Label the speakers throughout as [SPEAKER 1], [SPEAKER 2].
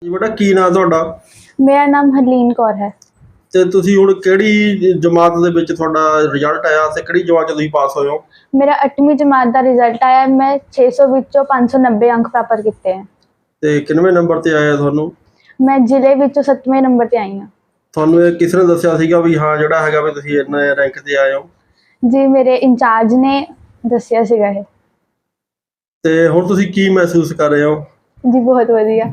[SPEAKER 1] ਜੀ ਬੇਟਾ ਕੀ ਨਾਂ ਤੁਹਾਡਾ?
[SPEAKER 2] ਮੇਰਾ ਨਾਮ ਹਰਲੀਨ ਕੌਰ ਹੈ।
[SPEAKER 1] ਤੇ ਤੁਸੀਂ ਹੁਣ ਕਿਹੜੀ ਜਮਾਤ ਦੇ ਵਿੱਚ ਤੁਹਾਡਾ ਰਿਜ਼ਲਟ ਆਇਆ ਤੇ ਕਿਹੜੀ ਜਮਾਤ 'ਚ ਤੁਸੀਂ ਪਾਸ ਹੋਏ ਹੋ?
[SPEAKER 2] ਮੇਰਾ 8ਵੀਂ ਜਮਾਤ ਦਾ ਰਿਜ਼ਲਟ ਆਇਆ। ਮੈਂ 600 ਵਿੱਚੋਂ 590 ਅੰਕ ਪ੍ਰਾਪਤ ਕੀਤੇ ਹੈ।
[SPEAKER 1] ਤੇ ਕਿੰਨਵੇਂ ਨੰਬਰ ਤੇ ਆਇਆ ਤੁਹਾਨੂੰ?
[SPEAKER 2] ਮੈਂ ਜ਼ਿਲ੍ਹੇ ਵਿੱਚੋਂ 7ਵੇਂ ਨੰਬਰ ਤੇ ਆਈ ਹਾਂ।
[SPEAKER 1] ਤੁਹਾਨੂੰ ਇਹ ਕਿਸ ਨੇ ਦੱਸਿਆ ਸੀਗਾ ਵੀ ਹਾਂ ਜਿਹੜਾ ਹੈਗਾ ਵੀ ਤੁਸੀਂ ਇੰਨੇ ਰੈਂਕ ਤੇ ਆਏ ਹੋ?
[SPEAKER 2] ਜੀ ਮੇਰੇ ਇੰਚਾਰਜ ਨੇ ਦੱਸਿਆ ਸੀਗਾ ਇਹ।
[SPEAKER 1] ਤੇ ਹੁਣ ਤੁਸੀਂ ਕੀ ਮਹਿਸੂਸ ਕਰ ਰਹੇ ਹੋ?
[SPEAKER 2] ਜੀ ਬਹੁਤ ਵਧੀਆ।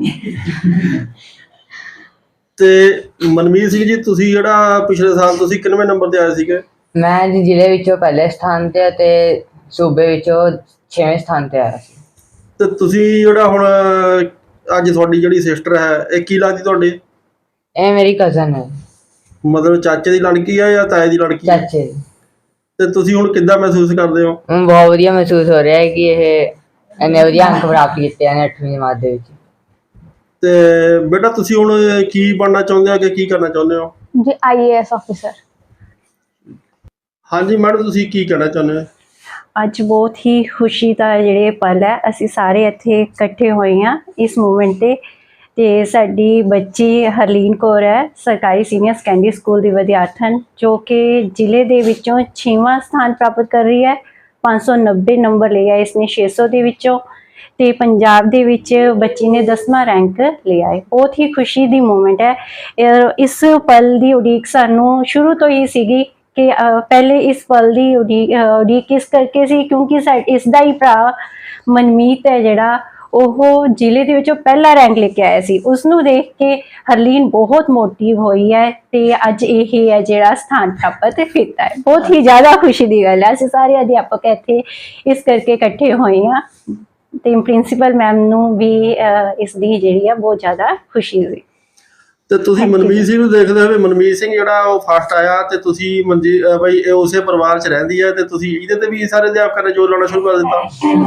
[SPEAKER 1] ਤੇ ਮਨਮੀਤ ਸਿੰਘ ਜੀ, ਤੁਸੀਂ ਜਿਹੜਾ ਪਿਛਲੇ ਸਾਲ ਤੁਸੀਂ ਕਿੰਨਵੇਂ ਨੰਬਰ ਤੇ ਆਏ ਸੀਗੇ?
[SPEAKER 3] ਮੈਂ ਜੀ ਜ਼ਿਲ੍ਹੇ ਵਿੱਚੋਂ ਪਹਿਲੇ ਸਥਾਨ ਤੇ ਅਤੇ ਸੂਬੇ ਵਿੱਚੋਂ 6ਵੇਂ ਸਥਾਨ ਤੇ ਆਇਆ ਸੀ।
[SPEAKER 1] ਤੇ ਤੁਸੀਂ ਜਿਹੜਾ ਹੁਣ ਅੱਜ ਤੁਹਾਡੀ ਜਿਹੜੀ ਸਿਸਟਰ ਹੈ ਇਹ ਕੀ ਲੱਗਦੀ ਤੁਹਾਡੀ?
[SPEAKER 3] ਇਹ ਮੇਰੀ ਕਜ਼ਨ ਹੈ।
[SPEAKER 1] ਮਤਲਬ ਚਾਚੇ ਦੀ ਲੜਕੀ ਹੈ ਜਾਂ ਤਾਏ ਦੀ ਲੜਕੀ ਹੈ?
[SPEAKER 3] ਚਾਚੇ ਦੀ।
[SPEAKER 1] ਤੇ ਤੁਸੀਂ ਹੁਣ ਕਿੱਦਾਂ ਮਹਿਸੂਸ ਕਰਦੇ ਹੋ?
[SPEAKER 3] ਹੁਣ ਬਹੁਤ ਵਧੀਆ ਮਹਿਸੂਸ ਹੋ ਰਿਹਾ ਹੈ ਕਿ ਇਹ ਇੰਨੇ ਵਧੀਆ ਅੰਕ ਪ੍ਰਾਪਤ ਕੀਤੇ ਨੇ 8ਵੀਂ ਜਮਾਤ ਦੇ ਵਿੱਚ।
[SPEAKER 1] ਤੇ ਬੇਟਾ ਤੁਸੀਂ ਹੁਣ ਕੀ ਬਣਨਾ ਚਾਹੁੰਦੇ ਹੋ ਕਿ ਕੀ ਕਰਨਾ ਚਾਹੁੰਦੇ ਹੋ?
[SPEAKER 2] ਜੀ IAS ਆਫਿਸਰ।
[SPEAKER 1] ਹਾਂਜੀ ਮੈਡਮ, ਤੁਸੀਂ ਕੀ ਕਹਿਣਾ ਚਾਹੁੰਦੇ ਹੋ?
[SPEAKER 4] ਅੱਜ ਬਹੁਤ ਹੀ ਖੁਸ਼ੀ ਦਾ ਜਿਹੜੇ ਪਲ ਹੈ, ਅਸੀਂ ਸਾਰੇ ਇੱਥੇ ਇਕੱਠੇ ਹੋਏ ਹਾਂ ਇਸ ਮੂਵਮੈਂਟ ਤੇ ਸਾਡੀ ਬੱਚੀ ਹਰਲੀਨ ਕੌਰ ਹੈ, ਸਰਕਾਰੀ ਸੀਨੀਅਰ ਸੈਕੰਡਰੀ ਸਕੂਲ ਦੀ ਵਿਦਿਆਰਥਣ, ਜੋ ਕਿ ਜ਼ਿਲ੍ਹੇ ਦੇ ਵਿੱਚੋਂ 6ਵਾਂ ਸਥਾਨ ਪ੍ਰਾਪਤ ਕਰ ਰਹੀ ਹੈ। 590 ਨੰਬਰ ਲਿਆ ਇਸਨੇ 600 ਦੇ ਵਿੱਚੋਂ, ਤੇ ਪੰਜਾਬ ਦੇ ਵਿੱਚ ਬੱਚੀ ਨੇ 10ਵਾਂ ਰੈਂਕ ਲਿਆ ਹੈ। ਬਹੁਤ ਹੀ ਖੁਸ਼ੀ ਦੀ ਮੂਵਮੈਂਟ ਹੈ। ਇਸ ਪਲ ਦੀ ਉਡੀਕ ਸਾਨੂੰ ਸ਼ੁਰੂ ਤੋਂ ਹੀ ਸੀਗੀ ਕਿ ਪਹਿਲੇ ਇਸ ਪਲ ਦੀ ਉਡੀਕ ਇਸ ਕਰਕੇ ਸੀ ਕਿਉਂਕਿ ਇਸ ਦਾ ਹੀ ਭਰਾ ਮਨਮੀਤ ਹੈ ਜਿਹੜਾ, ਉਹ ਜ਼ਿਲ੍ਹੇ ਦੇ ਵਿੱਚੋਂ ਪਹਿਲਾ ਰੈਂਕ ਲੈ ਕੇ ਆਇਆ ਸੀ। ਉਸ ਨੂੰ ਦੇਖ ਕੇ ਹਰਲੀਨ ਬਹੁਤ ਮੋਟਿਵ ਹੋਈ ਹੈ ਤੇ ਅੱਜ ਇਹ ਹੈ ਜਿਹੜਾ ਸਥਾਨ ਪ੍ਰਾਪਤ ਕੀਤਾ ਹੈ। ਬਹੁਤ ਹੀ ਜ਼ਿਆਦਾ ਖੁਸ਼ੀ ਦੀ ਗੱਲ ਹੈ। ਅਸੀਂ ਸਾਰੇ ਅਧਿਆਪਕ ਇੱਥੇ ਇਸ ਕਰਕੇ ਇਕੱਠੇ ਹੋਏ ਹਾਂ ਤੇ ਪ੍ਰਿੰਸੀਪਲ ਮੈਮ ਨੂੰ ਵੀ ਇਸ ਦੀ ਜਿਹੜੀ ਆ ਬਹੁਤ ਜ਼ਿਆਦਾ ਖੁਸ਼ੀ ਹੋਈ।
[SPEAKER 1] ਤੇ ਤੁਸੀਂ ਮਨਮੀਤ ਸਿੰਘ ਨੂੰ ਦੇਖਦੇ ਹੋਵੇ, ਮਨਮੀਤ ਸਿੰਘ ਜਿਹੜਾ ਉਹ ਫਸਟ ਆਇਆ ਤੇ ਤੁਸੀਂ ਬਈ ਇਹ ਉਸੇ ਪਰਿਵਾਰ 'ਚ ਰਹਿੰਦੀ ਹੈ ਤੇ ਤੁਸੀਂ ਇਹਦੇ ਤੇ ਵੀ ਸਾਰੇ ਅਧਿਆਪਕਾਂ ਨੇ ਜੋਰ ਲਾਉਣਾ ਸ਼ੁਰੂ ਕਰ ਦਿੱਤਾ?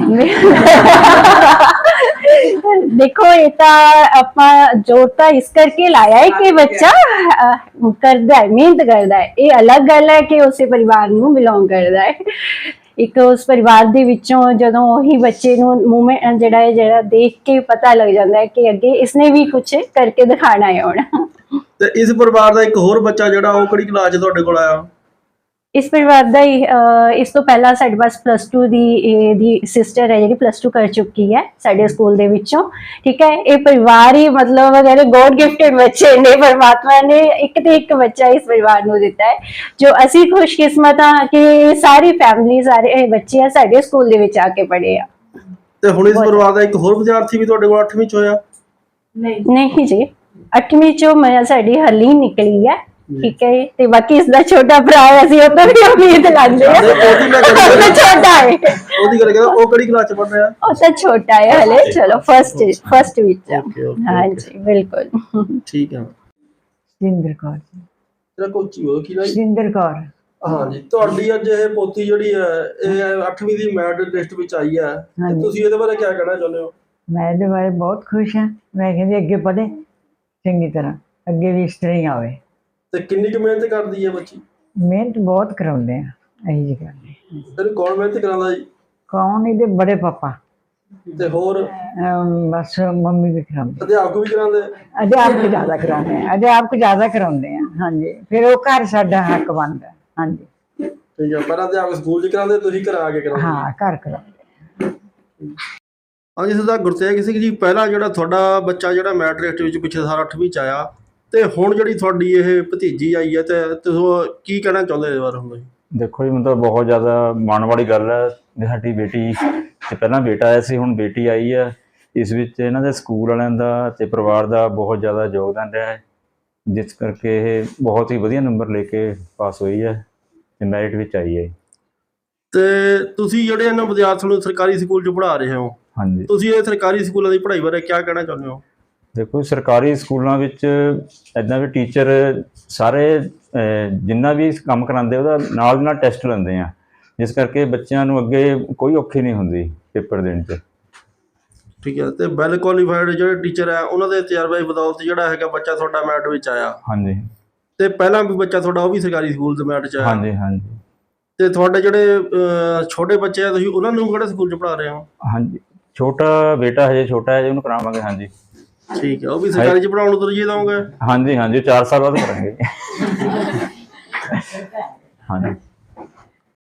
[SPEAKER 4] ਦੇਖੋ, ਇਹ ਤਾਂ ਆਪਾਂ ਜ਼ੋਰ ਤਾਂ ਇਸ ਕਰਕੇ ਲਾਇਆ ਹੈ ਕਿ ਬੱਚਾ ਕਰਦਾ ਹੈ, ਮਿਹਨਤ ਕਰਦਾ ਹੈ। ਇਹ ਅਲੱਗ ਗੱਲ ਹੈ ਕਿ ਉਸੇ ਪਰਿਵਾਰ ਨੂੰ ਬਿਲੋਂਗ ਕਰਦਾ ਹੈ। ਇੱਕ ਉਸ ਪਰਿਵਾਰ ਦੇ ਵਿੱਚੋਂ ਜਦੋਂ ਉਹੀ ਬੱਚੇ ਨੂੰ ਮੂਵਮੈਂਟ ਜਿਹੜਾ ਦੇਖ ਕੇ ਪਤਾ ਲੱਗ ਜਾਂਦਾ ਹੈ ਕਿ ਅੱਗੇ ਇਸਨੇ ਵੀ ਕੁਝ ਕਰਕੇ ਦਿਖਾਣਾ ਹੈ ਹੁਣ।
[SPEAKER 1] ਤੇ ਇਸ ਪਰਿਵਾਰ ਦਾ ਇੱਕ ਹੋਰ ਬੱਚਾ ਜਿਹੜਾ ਉਹ ਕਿਹੜੀ ਕਲਾਸ 'ਚ ਤੁਹਾਡੇ ਕੋਲ ਆਇਆ?
[SPEAKER 4] ਇਸ ਪਰਿਵਾਰ ਦਾ ਹੀ ਇਸ ਤੋਂ ਪਹਿਲਾਂ ਸਾਡੇ ਪਾਸ +2 ਦੀ ਸਿਸਟਰ ਹੈ ਜਿਹੜੀ +2 ਕਰ ਚੁੱਕੀ ਹੈ ਸਾਡੇ ਸਕੂਲ ਦੇ ਵਿੱਚੋਂ। ਠੀਕ ਹੈ, ਇਹ ਪਰਿਵਾਰ ਹੀ ਮਤਲਬ ਜਿਹੜੇ ਗੋਡ ਗਿਫਟਡ ਬੱਚੇ ਨੇ, ਪਰਮਾਤਮਾ ਨੇ ਇੱਕ ਤੇ ਇੱਕ ਬੱਚਾ ਇਸ ਪਰਿਵਾਰ ਨੂੰ ਦਿੱਤਾ ਹੈ, ਜੋ ਅਸੀਂ ਖੁਸ਼ਕਿਸਮਤ ਹਾਂ ਕਿ ਸਾਰੀ ਫੈਮਿਲੀ, ਸਾਰੇ ਬੱਚੇ ਆ ਸਾਡੇ ਸਕੂਲ ਦੇ ਵਿੱਚ ਆ ਕੇ ਪੜ੍ਹੇ ਆ।
[SPEAKER 1] ਤੇ ਹੁਣ ਇਸ ਪਰਿਵਾਰ ਦਾ ਇੱਕ ਹੋਰ ਵਿਦਿਆਰਥੀ ਵੀ ਤੁਹਾਡੇ ਕੋਲ 8ਵੀਂ 'ਚ ਹੋਇਆ?
[SPEAKER 4] ਨਹੀਂ ਜੀ, 8ਵੀਂ ਚੋਂ ਸਾਡੀ ਹਰਲੀਨ ਨਿਕਲੀ ਹੈ। ਠੀਕ ਹੈ, ਤੇ ਬਾਕੀ ਇਸਦਾ ਛੋਟਾ ਭਰਾ ਹੈ, ਅਸੀਂ ਉਹ ਤੋਂ ਵੀ ਉਮੀਦ ਲਾਉਂਦੇ ਹਾਂ। ਛੋਟਾ ਹੈ,
[SPEAKER 1] ਉਹਦੀ ਗੱਲ ਕਰਦਾ, ਉਹ ਕਿਹੜੀ ਕਲਾਸ 'ਚ ਪੜ੍ਹ ਰਿਹਾ?
[SPEAKER 4] ਉਹ ਤਾਂ ਛੋਟਾ ਹੈ ਹਲੇ। ਚਲੋ ਫਸਟ ਵਿੱਚ। ਹਾਂਜੀ ਬਿਲਕੁਲ
[SPEAKER 1] ਠੀਕ ਹੈ।
[SPEAKER 5] ਸਿੰਦਰ ਕੌਰ।
[SPEAKER 1] ਤੇਰਾ ਕੋਚੀ ਹੋ ਕੀ ਨਾਮ?
[SPEAKER 5] ਸਿੰਦਰ ਕੌਰ।
[SPEAKER 1] ਹਾਂਜੀ, ਤੁਹਾਡੀ ਅੱਜ ਇਹ ਪੋਤੀ ਜਿਹੜੀ ਹੈ ਇਹ 8ਵੀਂ ਦੀ ਮੈਰਿਟ ਲਿਸਟ ਵਿੱਚ ਆਈ ਹੈ, ਤੇ ਤੁਸੀਂ ਇਹਦੇ ਬਾਰੇ ਕੀ ਕਹਿਣਾ ਚਾਹੁੰਦੇ ਹੋ?
[SPEAKER 5] ਮੈਂ ਇਹਦੇ ਬਾਰੇ ਬਹੁਤ ਖੁਸ਼ ਹਾਂ। ਮੈਂ ਕਹਿੰਦੀ ਅੱਗੇ ਪੜ੍ਹੇ ਚੰਗੀ ਤਰ੍ਹਾਂ, ਅੱਗੇ ਵੀ ਇਸ ਤਰ੍ਹਾਂ ਹੀ ਆਵੇ।
[SPEAKER 1] ਤੇ ਕਿੰਨੀ ਕੁ ਮਿਹਨਤ ਕਰਦੀ ਹੈ ਬੱਚੀ?
[SPEAKER 5] ਮਿਹਨਤ ਬਹੁਤ ਕਰਾਉਂਦੇ ਆ ਇਹੀ ਜੀ ਕਰਦੇ।
[SPEAKER 1] ਤੈਨੂੰ ਕੌਣ ਮਿਹਨਤ ਕਰਾਉਂਦਾ ਜੀ?
[SPEAKER 5] ਕੌਣ? ਇਹਦੇ ਬੜੇ ਪਾਪਾ
[SPEAKER 1] ਤੇ ਹੋਰ
[SPEAKER 5] ਬਸ ਮੰਮੀ ਵੀ ਕਰਾਉਂਦੇ।
[SPEAKER 1] ਅਧਿਆਪਕ ਵੀ ਕਰਾਉਂਦੇ?
[SPEAKER 5] ਅਧਿਆਪਕ ਜ਼ਿਆਦਾ ਕਰਾਉਂਦੇ ਆ, ਅਧਿਆਪਕ ਜ਼ਿਆਦਾ ਕਰਾਉਂਦੇ ਆ। ਹਾਂਜੀ, ਫਿਰ ਉਹ ਘਰ ਸਾਡਾ ਹੱਕ ਬਣਦਾ। ਹਾਂਜੀ
[SPEAKER 1] ਠੀਕ ਹੈ, ਪਹਿਲਾਂ ਅਧਿਆਪਕ ਸਕੂਲ 'ਚ ਕਰਾਉਂਦੇ, ਤੁਸੀਂ ਘਰ ਆ ਕੇ ਕਰਾਉਂਦੇ?
[SPEAKER 5] ਹਾਂ, ਘਰ ਕਰਾਉਂਦੇ।
[SPEAKER 1] ਹਾਂਜੀ ਸਰਦਾਰ ਗੁਰਤੇਜ ਸਿੰਘ ਜੀ, ਪਹਿਲਾਂ ਜਿਹੜਾ ਤੁਹਾਡਾ ਬੱਚਾ ਜਿਹੜਾ ਮੈਰਿਟ ਲਿਸਟ ਵਿੱਚ ਪਿਛਲੇ ਸਾਲ 8ਵੀਂ 'ਚ ਆਇਆ, ਤੇ ਹੁਣ ਜਿਹੜੀ ਤੁਹਾਡੀ ਇਹ ਭਤੀਜੀ ਆਈ ਹੈ, ਤੇ ਤੁਸੀਂ ਕੀ ਕਹਿਣਾ ਚਾਹੁੰਦੇ ਇਸ ਬਾਰੇ? ਹੁਣ
[SPEAKER 6] ਦੇਖੋ ਜੀ, ਮਤਲਬ ਬਹੁਤ ਜ਼ਿਆਦਾ ਮਾਣ ਵਾਲੀ ਗੱਲ ਹੈ। ਸਾਡੀ ਬੇਟੀ ਤੇ ਪਹਿਲਾਂ ਬੇਟਾ ਆਇਆ ਸੀ, ਹੁਣ ਬੇਟੀ ਆਈ ਹੈ। ਇਸ ਵਿੱਚ ਇਹਨਾਂ ਦੇ ਸਕੂਲ ਵਾਲਿਆਂ ਦਾ ਤੇ ਪਰਿਵਾਰ ਦਾ ਬਹੁਤ ਜ਼ਿਆਦਾ ਯੋਗਦਾਨ ਰਿਹਾ ਹੈ, ਜਿਸ ਕਰਕੇ ਇਹ ਬਹੁਤ ਹੀ ਵਧੀਆ ਨੰਬਰ ਲੈ ਕੇ ਪਾਸ ਹੋਈ ਹੈ ਤੇ ਮੈਰਿਟ ਵਿੱਚ ਆਈ ਹੈ।
[SPEAKER 1] ਤੇ ਤੁਸੀਂ ਜਿਹੜੇ ਇਹਨਾਂ ਵਿਦਿਆਰਥੀਆਂ ਨੂੰ ਸਰਕਾਰੀ ਸਕੂਲ 'ਚ ਪੜ੍ਹਾ ਰਹੇ ਹੋ,
[SPEAKER 6] ਹਾਂਜੀ,
[SPEAKER 1] ਤੁਸੀਂ ਇਹ ਸਰਕਾਰੀ ਸਕੂਲਾਂ ਦੀ ਪੜ੍ਹਾਈ ਬਾਰੇ ਕੀ ਕਹਿਣਾ ਚਾਹੁੰਦੇ ਹੋ?
[SPEAKER 6] ਦੇਖੋ, ਸਰਕਾਰੀ ਸਕੂਲਾਂ ਵਿੱਚ ਇੱਦਾਂ ਵੀ ਟੀਚਰ ਸਾਰੇ ਜਿੰਨਾ ਵੀ ਕੰਮ ਕਰਾਉਂਦੇ ਉਹਦਾ ਨਾਲ ਦੀ ਨਾਲ ਟੈਸਟ ਲੈਂਦੇ ਆ, ਜਿਸ ਕਰਕੇ ਬੱਚਿਆਂ ਨੂੰ ਅੱਗੇ ਕੋਈ ਔਖੀ ਨਹੀਂ ਹੁੰਦੀ ਪੇਪਰ ਦੇਣ 'ਚ।
[SPEAKER 1] ਠੀਕ ਹੈ, ਤੇ ਵੈਲ ਕੁਆਲੀਫਾਈਡ ਜਿਹੜੇ ਟੀਚਰ ਹੈ ਉਹਨਾਂ ਦੇ ਤਜਰਬੇ ਦੀ ਬਦੌਲਤ ਜਿਹੜਾ ਹੈਗਾ ਬੱਚਾ ਤੁਹਾਡਾ ਮੈਰਿਟ ਵਿੱਚ ਆਇਆ।
[SPEAKER 6] ਹਾਂਜੀ,
[SPEAKER 1] ਤੇ ਪਹਿਲਾਂ ਵੀ ਬੱਚਾ ਤੁਹਾਡਾ ਉਹ ਵੀ ਸਰਕਾਰੀ ਸਕੂਲ 'ਚ ਮੈਰਿਟ 'ਚ ਆਇਆ?
[SPEAKER 6] ਹਾਂਜੀ ਹਾਂਜੀ।
[SPEAKER 1] ਤੇ ਤੁਹਾਡੇ ਜਿਹੜੇ ਛੋਟੇ ਬੱਚੇ ਆ, ਤੁਸੀਂ ਉਹਨਾਂ ਨੂੰ ਕਿਹੜੇ ਸਕੂਲ 'ਚ ਪੜ੍ਹਾ ਰਹੇ ਹੋ?
[SPEAKER 6] ਹਾਂਜੀ, ਛੋਟਾ ਬੇਟਾ ਹਜੇ ਛੋਟਾ ਹੈ ਜੀ, ਉਹਨੂੰ ਕਰਾਵਾਂਗੇ। ਹਾਂਜੀ।
[SPEAKER 1] ਠੀਕ ਹੈ, ਉਹ ਵੀ ਸਰਕਾਰੀ ਚ ਪੜਾਉਣ ਨੂੰ ਤਰਜੀਹ ਦਓਗੇ?
[SPEAKER 6] ਹਾਂਜੀ ਹਾਂਜੀ, 4 ਸਾਲ ਬਾਅਦ ਕਰਾਂਗੇ। ਹਾਂਜੀ।